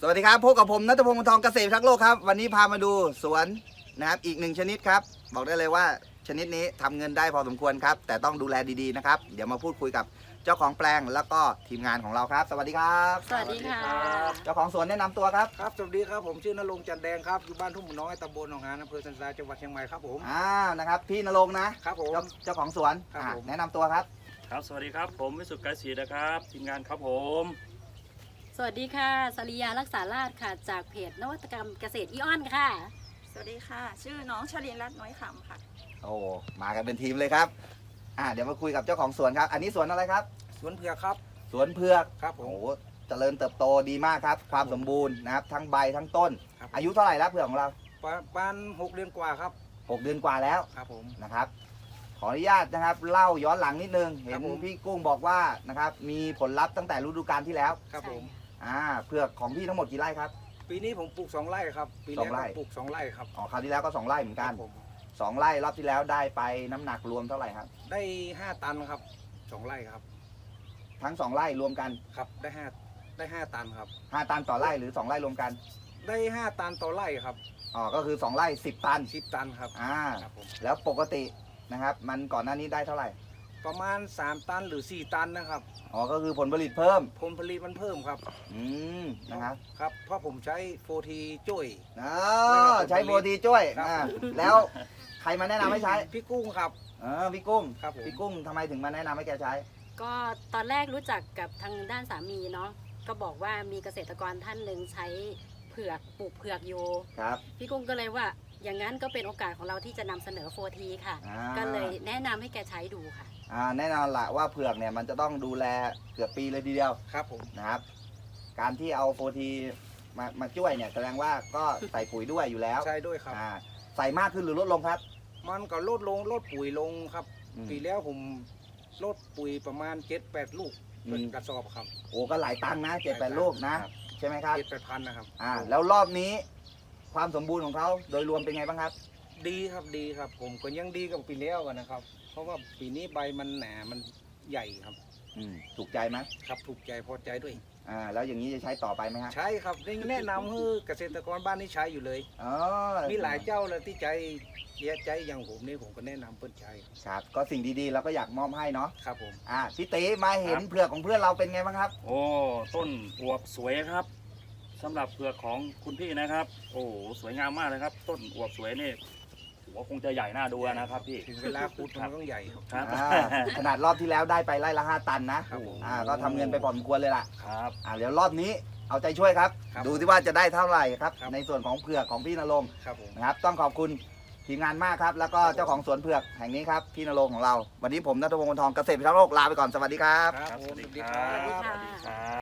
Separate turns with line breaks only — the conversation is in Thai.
สวัสดีครับพบกับผมณัฐพงศ์ วงศ์ทองเกษตรพิทักษ์โลกครับวันนี้พามาดูสวนนะครับอีกหนึ่งชนิดครับบอกได้เลยว่าชนิดนี้ทำเงินได้พอสมควรครับแต่ต้องดูแลดีๆนะครับเดี๋ยวมาพูดคุยกับเจ้าของแปลงแล้วก็ทีมงานของเราครับสวัสดีครับ
สวัสดีค่ะ
เจ้าของสวนแนะนำตัวครับ
ครับสวัสดีครับผมชื่อนรงค์จันแดงครับอยู่บ้านทุ่งหมูน้อยตำบลหนองหานอำเภอสันทรายจังหวัดเชียงใหม่ครับผม
นะครับพี่ณรงค์นะครับ
ผม
เจ้าของสวน
ครับผม
แนะนำตัวครับ
ครับ สวัสดีครับ ผมวิสุทธิ์ไกรศรีนะครับทีมงานครับผม
สวัสดีค่ะสริยารักษาราชค่ะ จากเพจนวัตกรรมเกษตรอีออนค่ะ
สวัสดีค่ะ ชื่อน้องชลินรัตน์น้อยขำค่ะ
โอ้มากันเป็นทีมเลยครับเดี๋ยวมาคุยกับเจ้าของสวนครับอันนี้สวนอะไรครับ
สวนเผือกครับ
สวนเผือก
ครับผม
โอ้โหเจริญเติบโตดีมากครับความสมบูรณ์นะครับทั้งใบทั้งต้น
ครับ
อายุเท่าไหร่แล้วเผือกของเรา
ประมาณ6 เดือนกว่าครับ
6 เดือนกว่าแล้ว
ครับผม
นะครับขออนุญาตนะครับเล่าย้อนหลังนิดนึงเห็
ครั
น
บผม
พี่กุ้งบอกว่านะครับมีผลลัพธ์ตั้งแต่ฤดูกาลที่แล้ว
ครับผม
เผือกของพี่ทั้งหมดกี่ไร่ครับ
ปีนี้ผมปลูก2 ไร่ครับปี
สอง
แรก
ไร่
ผมปลูก2 ไร่ครับ
อ๋อคราวที่แล้วก็2ไร่เหมือน
ค
กั
รั
น
บผม
2ไร่รอบที่แล้วได้ไปน้ำหนักรวมเท่าไหร่ครับ
ได้5 ตันครับ2 ไร่ครับ
ทั้ง2ไร่รวมกัน
ครับได้ 5 ตันครับ
5 ตันต่อไร่หรือ2ไร่รวมกัน
ได้ 5 ตันต่อไร่ครับ
อ๋อก็คือ2ไร่10 ตัน
10 ตันครับ ครับผม
แล้วปกตินะครับมันก่อนหน้านี้ได้เท่าไหร่
ประมาณ3 ตันหรือ4 ตันนะครับ
อ๋อก็คือผลผลิตเพิ่ม
ผลผลิตมันเพิ่มครับ
นะครับ
ครับเพราะผมใช้โฟทีจุ้ย
อ๋อใช้โปรตีช่วย
ครับ
แล้วใครมาแนะนำให้ใช้
พี่กุ้งครับ
พี่กุ้ง
ครับผม
พี่กุ้งทำไมถึงมาแนะนำให้แกใช้
ก็ตอนแรกรู้จักกับทางด้านสามีเนาะก็บอกว่ามีเกษตรกรท่านหนึ่งใช้เผือกปลูกเผือกอยู่
ครับ
พี่กุ้งก็เลยว่าอย่างนั้นก็เป็นโอกาสของเราที่จะนำเสนอโฟทีค่ะ ก็เลยแนะนำให้แกใช้ดูค่ะ
แน่นอนละว่าเผือกเนี่ยมันจะต้องดูแลเกือบปีเลยทีเดียว
ครับผม
นะครับ การที่เอาโฟทีมาช่วยเนี่ยแสดงว่าก็ใส่ปุ๋ยด้วยอยู่แล้ว
ใช่ด้วยครับ
ใส่มากขึ้นหรือลดลงครับ
มันก็ลดปุ๋ยลงครับ ปีแล้วผมลดปุ๋ยประมาณ7-8 ลูกเป็นกระสอบครับ
โอ้ก็หลายตังค์นะ7-8 ลูกนะ ใช่ไหมครับ
7-8 พันนะครับ
แล้วรอบนี้ความสมบูรณ์ของเขาโดยรวมเป็นไงบ้างครับ
ดีครับผมก็ยังดีกับปีแล้วกันนะครับ เพราะว่าปีนี้ใบมันหนามันใหญ่ครับ
ถูกใจไหม
ครับถูกใจพอใจด้วย
แล้วอย่างนี้จะใช้ต่อไปไหมฮะ
ใช่ครับนี่แนะนำให้เกษตรกรบ้านนี้ใช้อยู่เลย
อ๋อ
มีหลายเจ้าเลยที่ใจอย่างผมนี่ผมก็แนะนำเพื่อนใช้
ครับก็สิ่งดีๆเราก็อยากมอบให้เนาะ
ครับผม
พี่ตีมาเห็นเผือกของเพื่อนเราเป็นไงบ้างครับ
โอ้ต้นอวบสวยครับสำหรับเผือกของคุณพี่นะครับ โอ้สวยงามมากเลยครับ ต้นอวบสวยนี่หัวคงจะใหญ่น่าดูนะครับพี่
ถึงเวลาคุดมันต้องใหญ่ครับ
ครับ
ขนาดรอบที่แล้วได้ไปไร่ละ5 ตันนะครับ
ผม
ก็ทำเงินไปพอสมควรเลยล่ะ
ครับ
เดี๋ยวรอบนี้เอาใจช่วยครับ
ครับ
ดูที่ว่าจะได้เท่าไหร่ครับ
ครับ
ในส่วนของเผือกของพี่ณรงค์
ครับผม
นะครับต้องขอบคุณทีมงานมากครับ แล้วก็เจ้าของสวนเผือกแห่งนี้ครับพี่ณรงค์ของเรา วันนี้ผมณัฐพงศ์ วงศ์ทองเกษตรพิทักษ์โลกลาไปก่อนสวัสดีครับ
ครับ
ครับ
ผ
ส
ม
วัสดี
สวัสดี
ค
ค
รั
รับ
บสวัสดีครับ